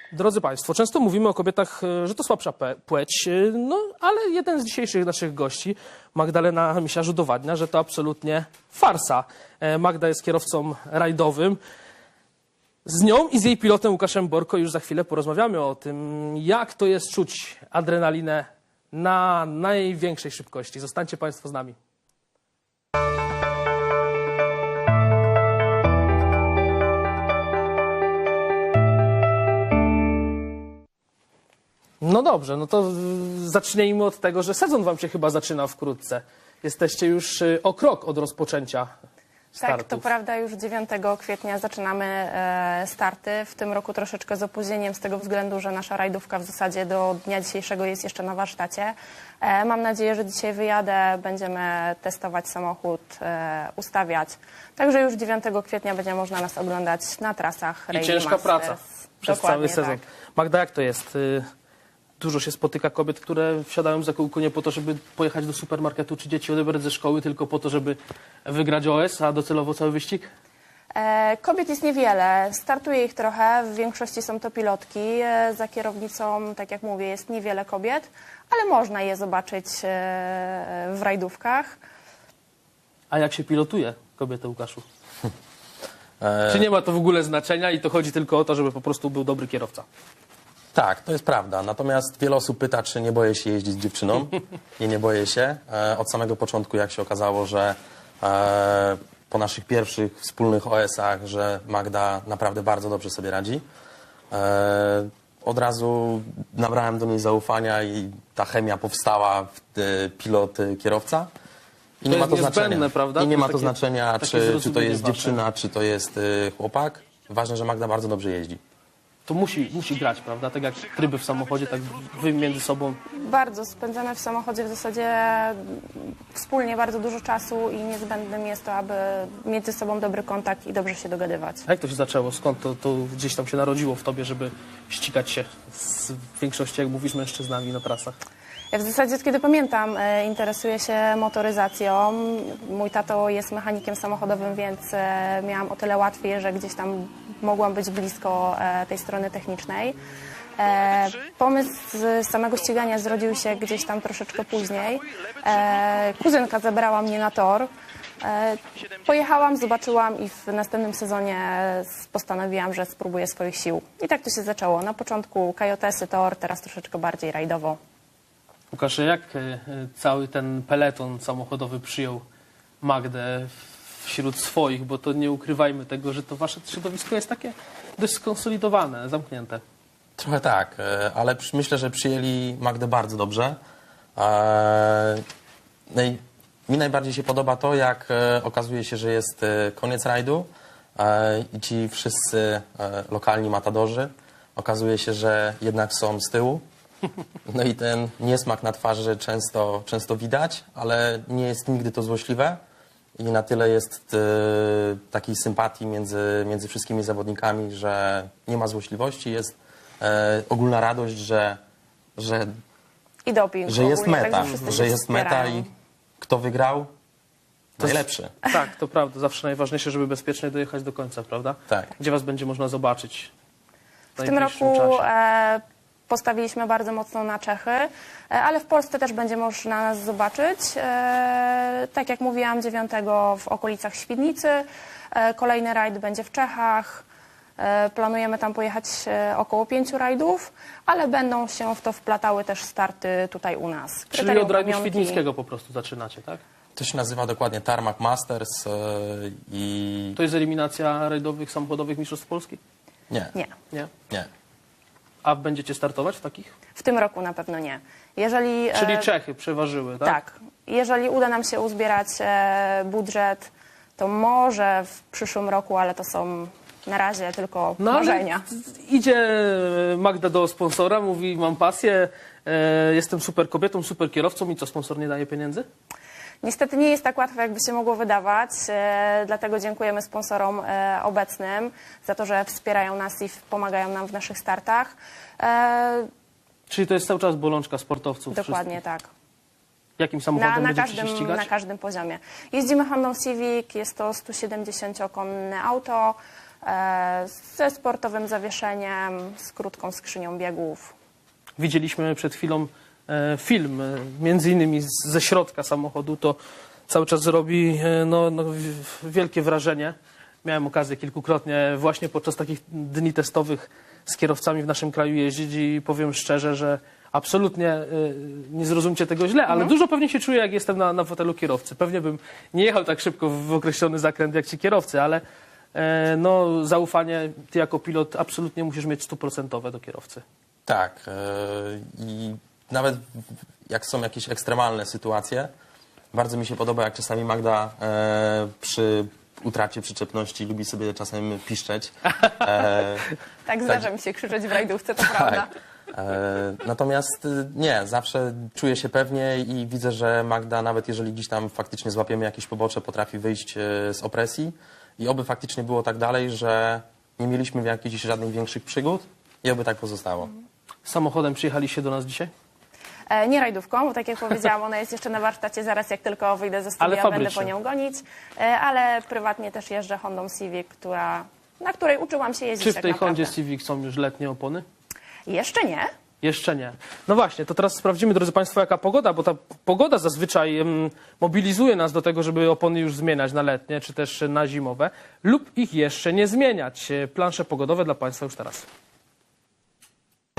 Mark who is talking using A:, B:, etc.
A: Drodzy Państwo, często mówimy o kobietach, że to słabsza płeć, no ale jeden z dzisiejszych naszych gości, Magdalena Misiarz, udowadnia, że to absolutnie farsa. Magda jest kierowcą rajdowym. Z nią i z jej pilotem Łukaszem Borko już za chwilę porozmawiamy o tym, jak to jest czuć adrenalinę na największej szybkości. Zostańcie Państwo z nami. No dobrze, no to zacznijmy od tego, że sezon wam się chyba zaczyna wkrótce. Jesteście już o krok od rozpoczęcia startów.
B: Tak, to prawda, już 9 kwietnia zaczynamy starty. W tym roku troszeczkę z opóźnieniem z tego względu, że nasza rajdówka w zasadzie do dnia dzisiejszego jest jeszcze na warsztacie. Mam nadzieję, że dzisiaj wyjadę, będziemy testować samochód, ustawiać. Także już 9 kwietnia będzie można nas oglądać na trasach
A: I
B: Rally
A: ciężka
B: Masters.
A: praca przez
B: Dokładnie
A: cały sezon.
B: tak.
A: Magda, jak to jest? Dużo się spotyka kobiet, które wsiadają za kółko nie po to, żeby pojechać do supermarketu czy dzieci odebrać ze szkoły, tylko po to, żeby wygrać OS, a docelowo cały wyścig?
B: Kobiet jest niewiele, startuje ich trochę, w większości są to pilotki. Za kierownicą, tak jak mówię, jest niewiele kobiet, ale można je zobaczyć w rajdówkach.
A: A jak się pilotuje kobietę, Łukaszu? Czy nie ma to w ogóle znaczenia i to chodzi tylko o to, żeby po prostu był dobry kierowca?
C: Tak, to jest prawda. Natomiast wiele osób pyta, czy nie boję się jeździć z dziewczyną. Nie boję się. Od samego początku, jak się okazało, że po naszych pierwszych wspólnych OS-ach, że Magda naprawdę bardzo dobrze sobie radzi. Od razu nabrałem do niej zaufania i ta chemia powstała pilot-kierowca. I
A: To
C: nie ma
A: jest
C: to znaczenia.
A: niezbędne, prawda?
C: I nie
A: To
C: ma
A: jest
C: to
A: takie-
C: znaczenia,
A: takie
C: czy to
A: zrozumienie
C: jest
A: wasze.
C: dziewczyna, czy to jest chłopak. Ważne, że Magda bardzo dobrze jeździ.
A: To musi grać, prawda? Tak jak tryby w samochodzie, tak wy między sobą.
B: Bardzo spędzamy w samochodzie w zasadzie wspólnie bardzo dużo czasu i niezbędnym jest to, aby mieć ze sobą dobry kontakt i dobrze się dogadywać.
A: A jak to się zaczęło? Skąd to gdzieś tam się narodziło w tobie, żeby ścigać się z większości, jak mówisz, mężczyznami na trasach?
B: Ja w zasadzie od kiedy pamiętam interesuję się motoryzacją. Mój tato jest mechanikiem samochodowym, więc miałam o tyle łatwiej, że gdzieś tam mogłam być blisko tej strony technicznej. Pomysł z samego ścigania zrodził się gdzieś tam troszeczkę później. Kuzynka zabrała mnie na tor. Pojechałam, zobaczyłam i w następnym sezonie postanowiłam, że spróbuję swoich sił. I tak to się zaczęło. Na początku kajotesy, tor, teraz troszeczkę bardziej rajdowo.
A: Łukasz, jak cały ten peleton samochodowy przyjął Magdę wśród swoich, bo to nie ukrywajmy tego, że to wasze środowisko jest takie dość skonsolidowane, zamknięte.
C: Trochę tak, ale myślę, że przyjęli Magdę bardzo dobrze. Mi najbardziej się podoba to, jak okazuje się, że jest koniec rajdu i ci wszyscy lokalni matadorzy okazuje się, że jednak są z tyłu. No i ten niesmak na twarzy często widać, ale nie jest nigdy to złośliwe. I na tyle jest takiej sympatii między wszystkimi zawodnikami, że nie ma złośliwości, jest ogólna radość, że
B: I doping.
C: jest
B: ogólnie,
C: meta,
B: także wszyscy
C: że
B: się
C: jest meta
B: wspierają.
C: i kto wygrał, najlepszy.
A: Tak, to prawda. Zawsze najważniejsze, żeby bezpiecznie dojechać do końca, prawda?
C: Tak.
A: Gdzie was będzie można zobaczyć w
B: W tym
A: najbliższym
B: roku
A: czasie?
B: postawiliśmy bardzo mocno na Czechy, ale w Polsce też będzie można nas zobaczyć. Tak jak mówiłam, 9 w okolicach Świdnicy. Kolejny rajd będzie w Czechach. Planujemy tam pojechać około 5 rajdów, ale będą się w to wplatały też starty tutaj u nas.
A: Czyli
B: Kryterium
A: od rajdu
B: pamiątki.
A: świdnickiego po prostu zaczynacie, tak?
C: To się nazywa dokładnie Tarmac Masters i
A: To jest eliminacja rajdowych, samochodowych mistrzostw Polski?
C: nie,
B: Nie.
C: nie.
A: A będziecie startować w takich?
B: W tym roku na pewno nie. Jeżeli,
A: Czyli Czechy przeważyły, tak?
B: tak. Jeżeli uda nam się uzbierać budżet, to może w przyszłym roku, ale to są na razie tylko
A: No ale
B: marzenia.
A: idzie Magda do sponsora, mówi: mam pasję, jestem super kobietą, super kierowcą i co, sponsor nie daje pieniędzy?
B: Niestety nie jest tak łatwo, jakby się mogło wydawać, dlatego dziękujemy sponsorom obecnym za to, że wspierają nas i pomagają nam w naszych startach.
A: Czyli to jest cały czas bolączka sportowców.
B: Dokładnie tak.
A: Jakim samochodem będziecie się ścigać?
B: Na każdym poziomie. Jeździmy Hondą Civic, jest to 170-konne auto. ze sportowym zawieszeniem, z krótką skrzynią biegów.
A: Widzieliśmy przed chwilą film, między innymi ze środka samochodu, to cały czas robi wielkie wrażenie. Miałem okazję kilkukrotnie właśnie podczas takich dni testowych z kierowcami w naszym kraju jeździć i powiem szczerze, że absolutnie nie zrozumcie tego źle, ale dużo pewnie się czuję, jak jestem na fotelu kierowcy. Pewnie bym nie jechał tak szybko w określony zakręt jak ci kierowcy, ale zaufanie ty jako pilot absolutnie musisz mieć 100% do kierowcy.
C: Tak. I nawet jak są jakieś ekstremalne sytuacje, bardzo mi się podoba, jak czasami Magda przy utracie przyczepności lubi sobie czasem piszczeć.
B: Tak, zdarza mi się krzyczeć w rajdówce, to prawda.
C: Natomiast nie, zawsze czuję się pewnie i widzę, że Magda, nawet jeżeli gdzieś tam faktycznie złapiemy jakieś pobocze, potrafi wyjść z opresji i oby faktycznie było tak dalej, że nie mieliśmy jakichś żadnych większych przygód i oby tak pozostało.
A: Samochodem przyjechaliście do nas dzisiaj?
B: Nie rajdówką, bo tak jak powiedziałam, ona jest jeszcze na warsztacie, zaraz jak tylko wyjdę ze
A: Ale
B: studia, będę
A: fabrycznie.
B: po nią gonić, ale prywatnie też jeżdżę Hondą Civic, na której uczyłam się jeździć
A: Czy w
B: tak
A: tej
B: naprawdę.
A: Hondzie Civic są już letnie opony?
B: Jeszcze nie.
A: Jeszcze nie. No właśnie, to teraz sprawdzimy, drodzy Państwo, jaka pogoda, bo ta pogoda zazwyczaj mobilizuje nas do tego, żeby opony już zmieniać na letnie, czy też na zimowe, lub ich jeszcze nie zmieniać. Plansze pogodowe dla Państwa już teraz.